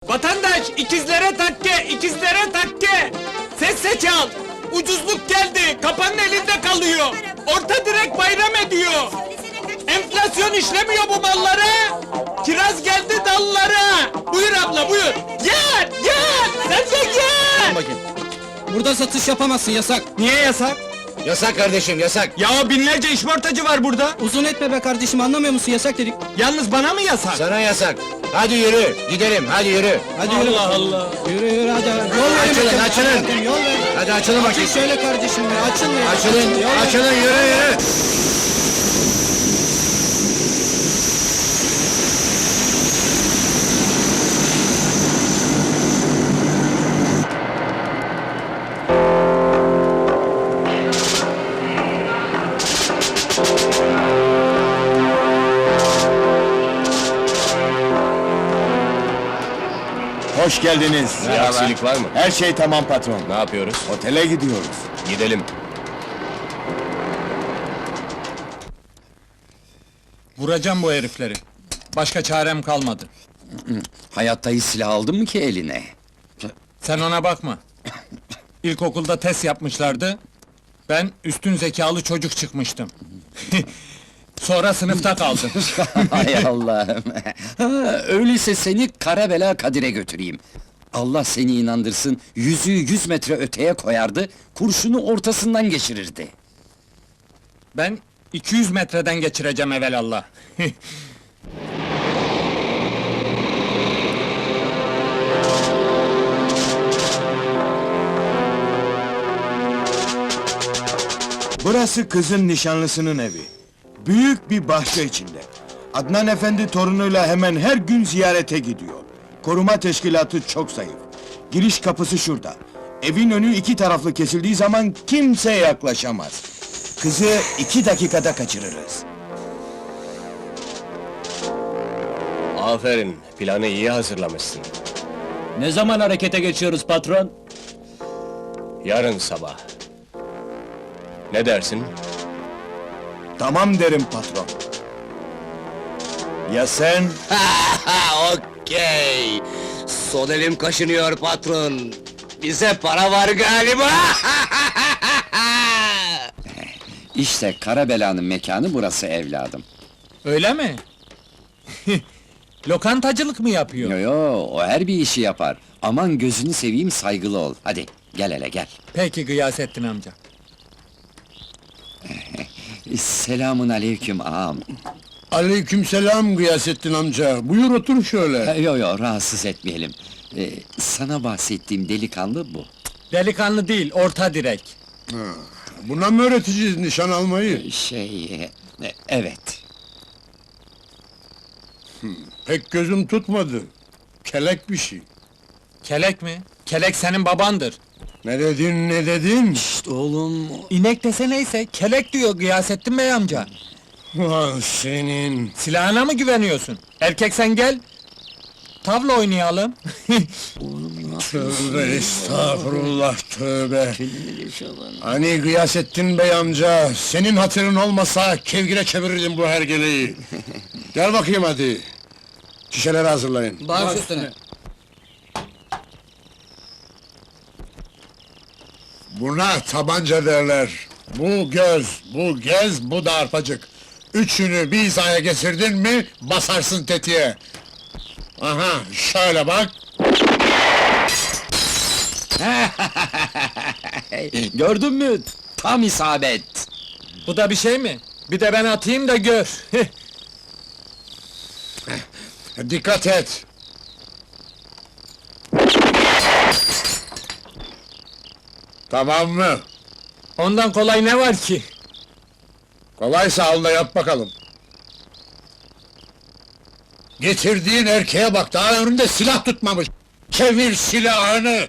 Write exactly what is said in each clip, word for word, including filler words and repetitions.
Vatandaş, ikizlere takke, ikizlere takke! Ses seç al! Ucuzluk geldi, kapanın elinde kalıyor! Orta direk bayram ediyor! Enflasyon işlemiyor bu mallara! Kiraz geldi dallara! Buyur abla, buyur! Gel, gel! Sen de gel! Bakayım. Burada satış yapamazsın, yasak. Niye yasak? Yasak kardeşim, yasak! Ya binlerce işportacı var burada! Uzun etme be kardeşim, anlamıyor musun? Yasak dedik. Yalnız bana mı yasak? Sana yasak! Hadi yürü, gidelim, hadi yürü! Hadi yürü. Allah Allah! Yürü yürü hadi. Yol verin Açılın, bakayım. açılın. Bakayım, Yol verin. Hadi açılın Açıl bakayım! şöyle kardeşim ya, açıl ya. Açılın, Yol verin. açılın, yürü, yürü! Hoş geldiniz. Bir aksilik var mı? Her şey tamam patron. Ne yapıyoruz? Otele gidiyoruz. Gidelim. Vuracağım bu herifleri. Başka çarem kalmadı. Hayatta hiç silah aldın mı ki eline? Sen ona bakma. İlkokulda test yapmışlardı. Ben üstün zekalı çocuk çıkmıştım. Sonra sınıfta kaldım. Hay Allah'ım! Ha, öyleyse seni kara bela Kadir'e götüreyim. Allah seni inandırsın, yüzüğü yüz metre öteye koyardı, kurşunu ortasından geçirirdi. Ben iki yüz metreden geçireceğim evelallah. Burası kızın nişanlısının evi. Büyük bir bahçe içinde. Adnan Efendi torunuyla hemen her gün ziyarete gidiyor. Koruma teşkilatı çok zayıf. Giriş kapısı şurada. Evin önü iki taraflı kesildiği zaman kimse yaklaşamaz. Kızı iki dakikada kaçırırız. Aferin, planı iyi hazırlamışsın. Ne zaman harekete geçiyoruz patron? Yarın sabah. Ne dersin? Tamam derim patron. Ya sen? Okey! Son elim kaşınıyor patron. Bize para var galiba! İşte kara belanın mekanı burası evladım. Öyle mi? Lokantacılık mı yapıyor? Yo yo, o her bir işi yapar. Aman gözünü seveyim, saygılı ol. Hadi, gel hele gel. Peki Gıyasettin amca. Selamun aleyküm ağam. Aleykümselam Gıyasettin amca. Buyur otur şöyle. Ha, Yo yo, rahatsız etmeyelim. Ee, sana bahsettiğim delikanlı bu. Delikanlı değil, orta direk. Buna mı öğreteceğiz nişan almayı? Şey, e, evet. Pek gözüm tutmadı. Kelek bir şey. Kelek mi? Kelek senin babandır. Ne dedin, ne dedin? Şşt oğlum, İnek dese neyse, kelek diyor Gıyasettin Bey amca. Ah senin! Silahına mı güveniyorsun? Erkek sen gel. Tavla oynayalım. Tövbe estağfurullah, tövbe! Hani Gıyasettin Bey amca, senin hatırın olmasa kevgire çevirirdim bu hergeleyi. Gel bakayım hadi. Şişeleri hazırlayın. Baş üstüne. Buna tabanca derler. Bu göz, bu gez, bu da arpacık. Üçünü bir hizaya getirdin mi, basarsın tetiğe. Aha, şöyle bak. gördün mü? Tam isabet. Bu da bir şey mi? Bir de ben atayım da gör. Dikkat et. Tamam mı? Ondan kolay ne var ki? Kolaysa al da yap bakalım. Getirdiğin erkeğe bak, daha önünde silah tutmamış. Çevir silahını!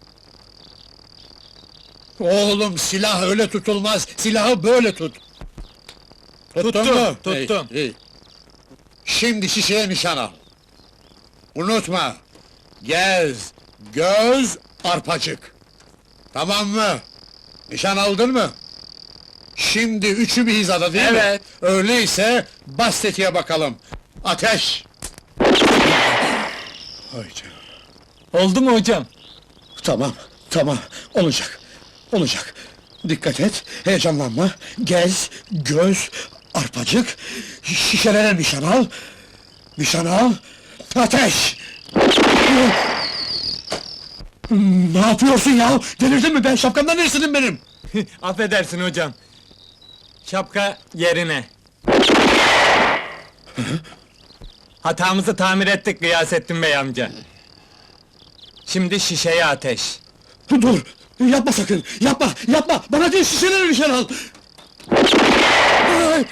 Oğlum, silah öyle tutulmaz, silahı böyle tut. Tuttun Tuttum, mu? tuttum. İyi, iyi. Şimdi şişeye nişan al. Unutma, gez, göz, arpacık. Tamam mı? Nişan aldın mı? Şimdi üçü bir hizada değil mi? Evet. Öyleyse bas tetiğe bakalım. Ateş! Hay canım. Oldu mu hocam? Tamam, tamam. Olacak. Olacak. Dikkat et, heyecanlanma. Gez, göz, arpacık. Şişelere nişan al. Nişan al. Ateş! Ne yapıyorsun ya? Delirdin mi ben? Şapkamdan neresin benim? Affedersin hocam. Şapka yerine. Hatamızı tamir ettik Gıyasettin Bey amca. Şimdi şişeye ateş. Dur! Yapma sakın! Yapma! Yapma! Bana değil şişelere nişan al! Ay!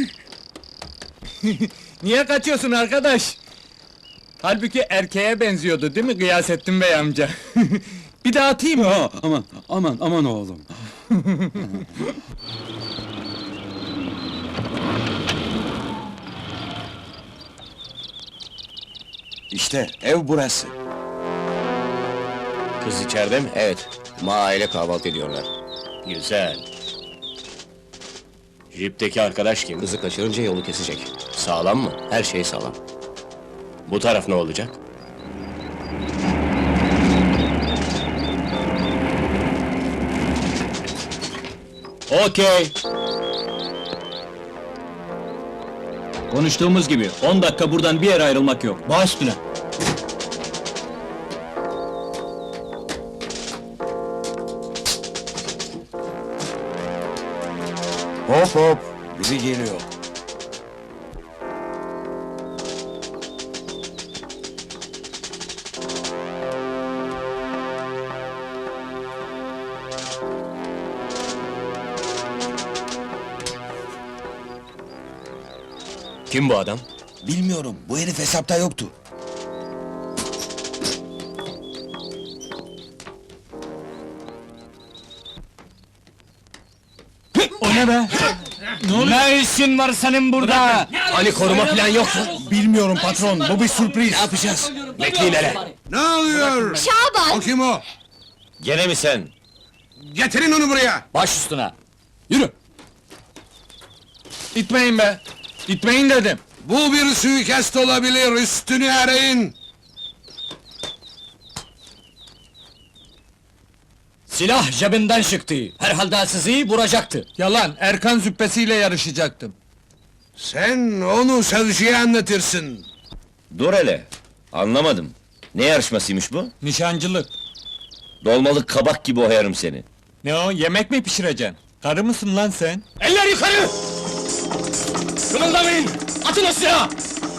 Niye kaçıyorsun arkadaş? Halbuki erkeğe benziyordu değil mi Gıyasettin Bey amca? Bir daha atayım mı? Aa, aman, aman, aman oğlum. İşte ev burası. Kız içeride mi? Evet. Ma aile kahvaltı ediyorlar. Güzel. Jipteki arkadaş kim? Kızı kaçırınca yolu kesecek. Sağlam mı? Her şey sağlam. Bu taraf ne olacak? Okey. Konuştuğumuz gibi on dakika buradan bir yere ayrılmak yok. Baş üstüne. Hop hop, biri geliyor. Kim bu adam? Bilmiyorum, bu herif hesapta yoktu. O ne be? Ne işin var senin burada? Hani koruma falan yok mu? Bilmiyorum patron, bu bir sürpriz. Ne yapacağız? Bekleyin hele. Ne oluyor? Şaban! O kim o? Gene mi sen? Getirin onu buraya! Baş üstüne. Yürü. İtmeyin be! İtmeyin dedim! Bu bir suikast olabilir, üstünü arayın! Silah cebinden çıktı. Herhalde sizi vuracaktı. Yalan, Erkan züppesiyle yarışacaktım. Sen onu savcıya anlatırsın! Dur hele. Anlamadım. Ne yarışmasıymış bu? Nişancılık. Dolmalık kabak gibi oyarım seni. Ne o, yemek mi pişireceksin? Karı mısın lan sen? Eller yukarı! Kımıldamayın! Atın o silahı!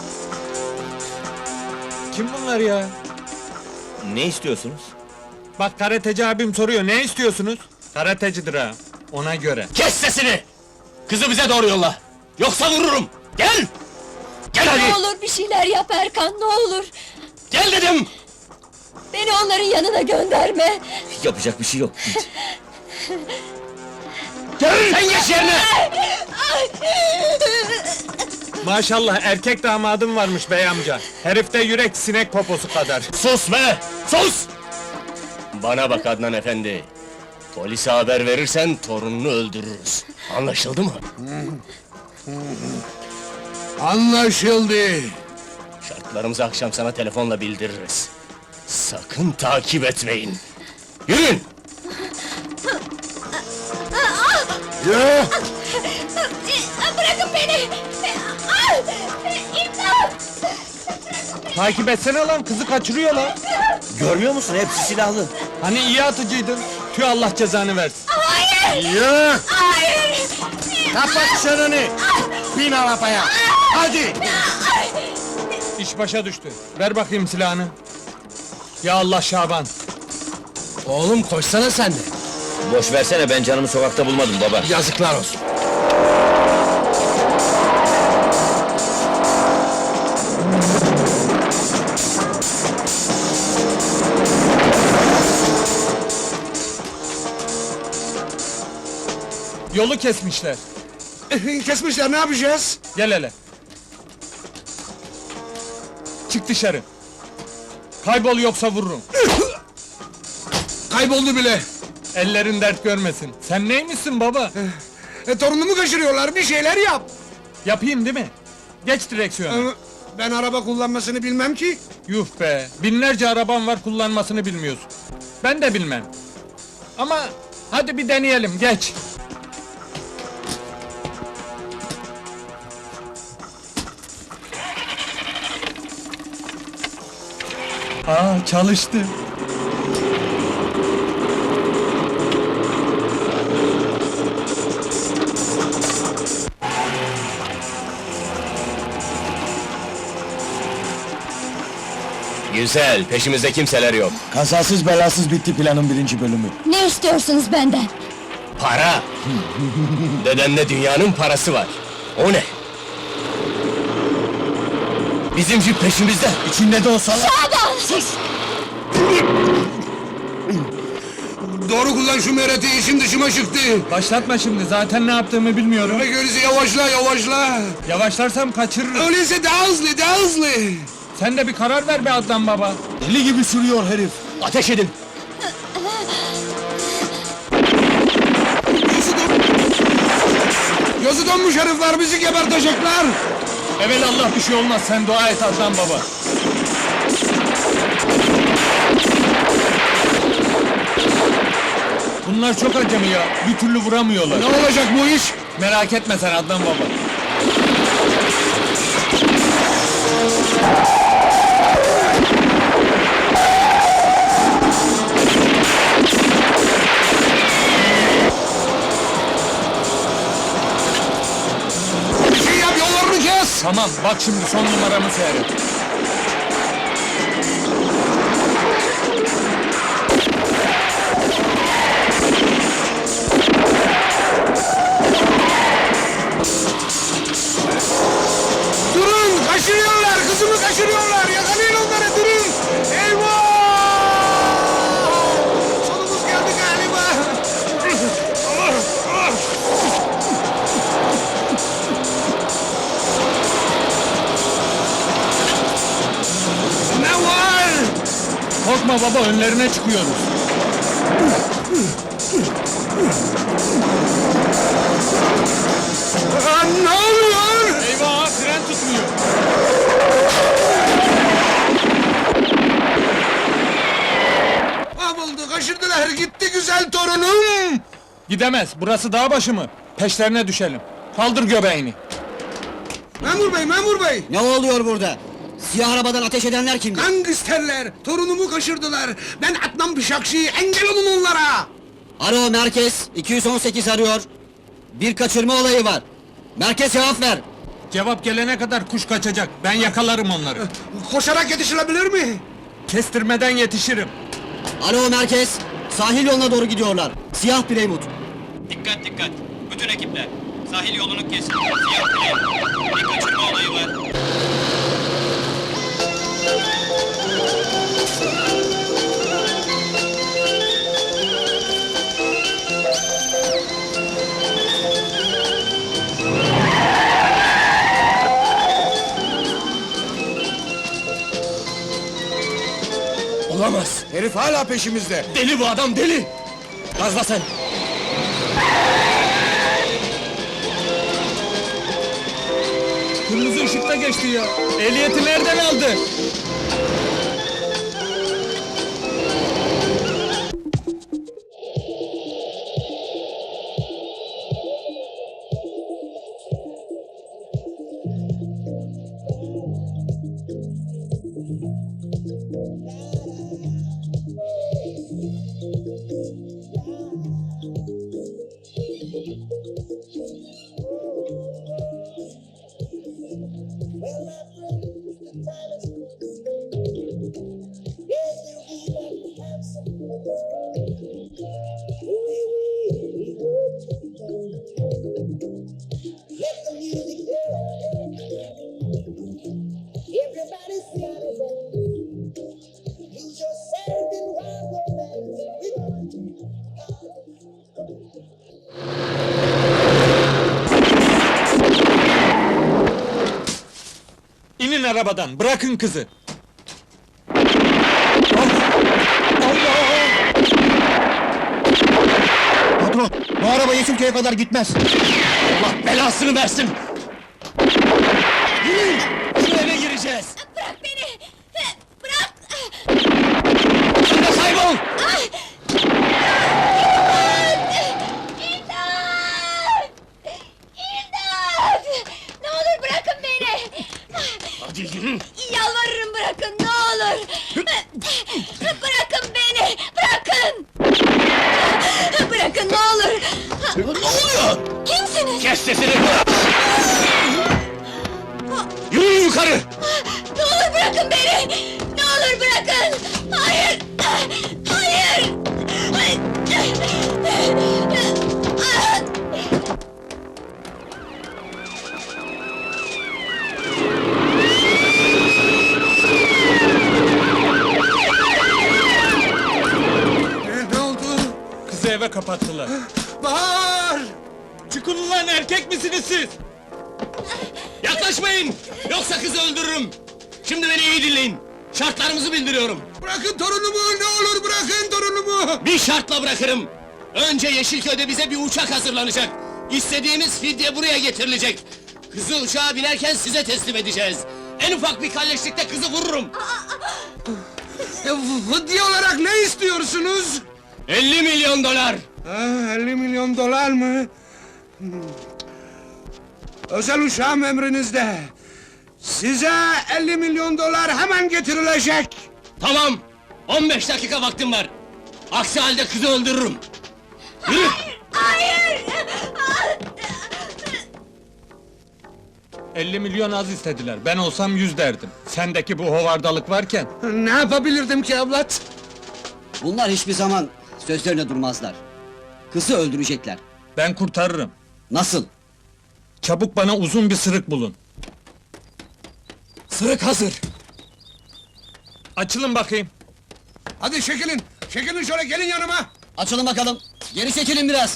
Kim bunlar ya? Ne istiyorsunuz? Bak karateci abim soruyor, ne istiyorsunuz? Karatecidir ha, ona göre. Kes sesini! Kızı bize doğru yolla! Yoksa vururum! Gel! Gel Ne hadi! olur bir şeyler yap Erkan, ne olur! Gel dedim! Beni onların yanına gönderme! Yapacak bir şey yok. Git. Gel! Sen geç yerine! Maşallah erkek damadım varmış bey amca. Herifte yürek sinek poposu kadar. Sus be! Sus! Bana bak Adnan efendi. Polise haber verirsen torununu öldürürüz. Anlaşıldı mı? Anlaşıldı! Şartlarımızı akşam sana telefonla bildiririz. Sakın takip etmeyin. Yürüyün! Yürü! Bırakın beni! Ah! İmdat! Takip etsene lan, kızı kaçırıyor lan. Görmüyor musun? Hepsi silahlı. Hani iyi atıcıydın. Tüh Allah cezanı versin. Hayır! Yürü! Hayır! Kapat çeneni! Bin arabaya! Hadi! İş başa düştü. Ver bakayım silahını. Ya Allah Şaban. Oğlum koşsana sen de. Boş versene, ben canımı sokakta bulmadım baba. Yazıklar olsun. Yolu kesmişler. Kesmişler, ne yapacağız? Gel hele. Çık dışarı. Kaybol yoksa vururum. Kayboldu bile! Ellerin dert görmesin. Sen neymişsin baba? E, torunumu kaçırıyorlar, bir şeyler yap! Yapayım değil mi? Geç direksiyona. Ee, Ben araba kullanmasını bilmem ki. Yuh be, binlerce araban var kullanmasını bilmiyorsun. Ben de bilmem. Ama hadi bir deneyelim, geç. Aa, çalıştı. Güzel, peşimizde kimseler yok. Kazasız belasız bitti planın birinci bölümü. Ne istiyorsunuz benden? Para! Dedemde dünyanın parası var. O ne? Bizim jip peşimizde. İçinde de o salak... Şaban! Doğru kullan şu mereti, işin dışıma çıktı. Başlatma şimdi, zaten ne yaptığımı bilmiyorum. Bak öyleyse yavaşla, yavaşla. Yavaşlarsam kaçırırım. Öyleyse daha hızlı, daha hızlı. Sen de bir karar ver be Adnan baba. Deli gibi sürüyor herif. Ateş edin! Gözü don... Gözü donmuş herifler, bizi gebertecekler. Evelallah bir şey olmaz, sen dua et Adnan baba. Bunlar çok acemi ya, bir türlü vuramıyorlar. Ne olacak bu iş? Merak etme sen Adnan baba. Bir şey yap, yollarını kes. Tamam, bak şimdi son numaramı seyret. Durun, kaçırıyorlar, kızımı kaçırıyorlar. Yakalayın onları, durun. Eyvah! Sonumuz geldi galiba. Ne var? Korkma baba, önlerine çıkıyoruz. Aa, ne oluyor? Eyvah, fren tutmuyor. Mahvoldu, kaçırdılar, gitti güzel torunum. Gidemez, burası dağ başı mı? Peşlerine düşelim. Kaldır göbeğini. Memur bey, memur bey! Ne oluyor burada? Siyah arabadan ateş edenler kimdi? Gangsterler, torunumu kaçırdılar. Ben Adnan Bıçakçı, engel olun onlara! Alo merkez, iki yüz on sekiz arıyor. Bir kaçırma olayı var. Merkez cevap ver. Cevap gelene kadar kuş kaçacak, ben yakalarım onları. Koşarak yetişilebilir mi? Kestirmeden yetişirim. Alo merkez, sahil yoluna doğru gidiyorlar. Siyah Plymouth. Dikkat dikkat! Bütün ekipler! Sahil yolunu kesin! Siyah Plymouth! Bir kaçırma olayı var! Olamaz! Herif hala peşimizde. Deli bu adam, deli! Gazla sen! Kırmızı ışıkta geçti ya. Ehliyeti nereden aldı? İnin arabadan, bırakın kızı. Patron, bu araba Yeşilköy'e kadar gitmez. Allah belasını versin! Yürüyün! Şu eve gireceğiz! edeceğiz. Bırak beni! Bırak! Sen de kaybol! İmdat! İmdat! Ne olur bırakın beni! Hadi yürü! Yalvarırım bırakın, ne olur! Bırakın beni! Bırakın! Bırakın, ne olur! Ne oluyor? Kimsiniz? Kes sesini! Yürüyün yukarı! Ne olur bırakın beni! Ne olur bırakın! Hayır! Hayır! Ne oldu? Kızı eve kapattılar. Bahar! Çıkın ulan, erkek misiniz siz? Yaklaşmayın! Yoksa kızı öldürürüm! Şimdi beni iyi dinleyin! Şartlarımızı bildiriyorum! Bırakın torunumu, ne olur bırakın torunumu! Bir şartla bırakırım! Önce Yeşilköy'de bize bir uçak hazırlanacak! İstediğimiz fidye buraya getirilecek! Kızı uçağa binerken size teslim edeceğiz! En ufak bir kalleşlikte kızı vururum! Fıdye olarak ne istiyorsunuz? elli milyon dolar! Ah, elli milyon dolar mı? Hmm. Özel uçağım emrinizde. Size elli milyon dolar hemen getirilecek. Tamam! on beş dakika vaktim var! Aksi halde kızı öldürürüm! Yürü! Hayır! elli milyon az istediler. Ben olsam yüz derdim. Sendeki bu hovardalık varken. Ne yapabilirdim ki evlat? Bunlar hiçbir zaman sözlerine durmazlar. Kızı öldürecekler. Ben kurtarırım. Nasıl? Çabuk bana uzun bir sırık bulun. Sırık hazır. Açılın bakayım. Hadi çekilin, çekilin şöyle gelin yanıma. Açılın bakalım. Geri çekilin biraz.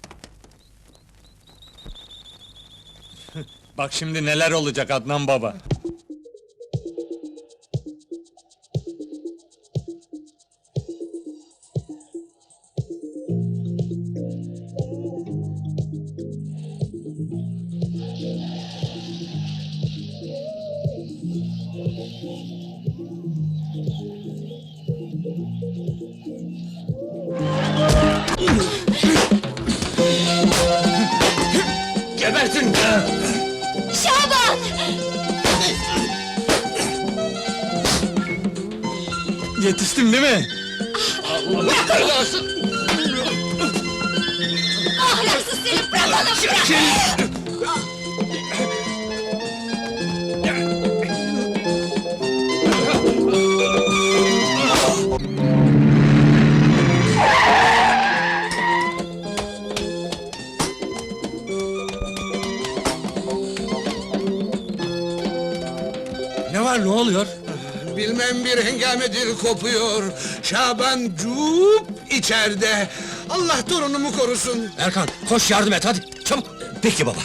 Bak şimdi neler olacak Adnan baba. Gebertin! Şaban! Yetiştim değil mi? Ahlaksız seni, bırak onu, bırak! Ne var, ne oluyor? Bilmem bir hengamedir kopuyor. Şaban cuup içeride. Allah torunumu korusun. Erkan, koş yardım et hadi, çabuk! Peki baba.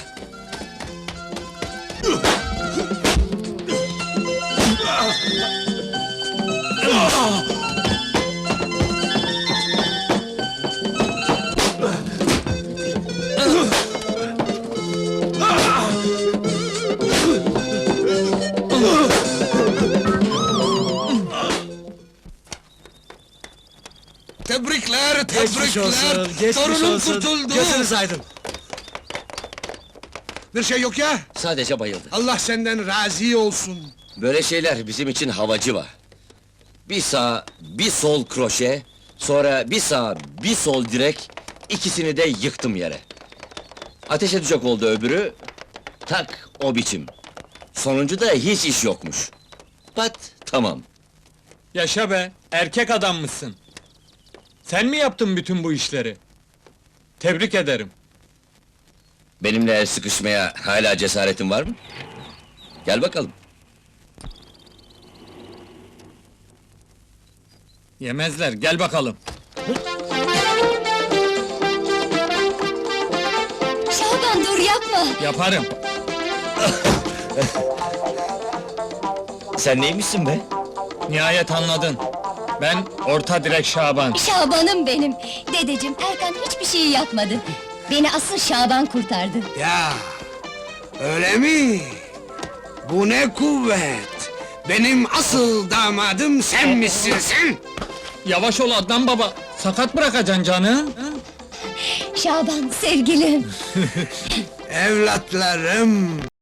Tebrikler, tebrikler. Torunum kurtuldu. aydın. Bir şey yok ya. Sadece bayıldı. Allah senden razı olsun. Böyle şeyler bizim için havacı var. Bir sağ, bir sol kroşe, sonra bir sağ, bir sol direk, ikisini de yıktım yere. Ateş edecek oldu öbürü, tak o biçim. Sonuncu da hiç iş yokmuş. Pat, tamam. Yaşa be, erkek adammışsın. Sen mi yaptın bütün bu işleri? Tebrik ederim. Benimle el sıkışmaya hala cesaretin var mı? Gel bakalım. Yemezler, gel bakalım. Şaban dur, yapma! Yaparım. Sen neymişsin be? Nihayet anladın. Ben orta direk Şaban. Şaban'ım benim! Dedeciğim, Erkan hiçbir şey yapmadı. Beni asıl Şaban kurtardı. Ya, öyle mi? Bu ne kuvvet? Benim asıl damadım sen misin sen? Yavaş ol Adnan baba, sakat bırakacaksın canı. Şaban sevgilim. Evlatlarım!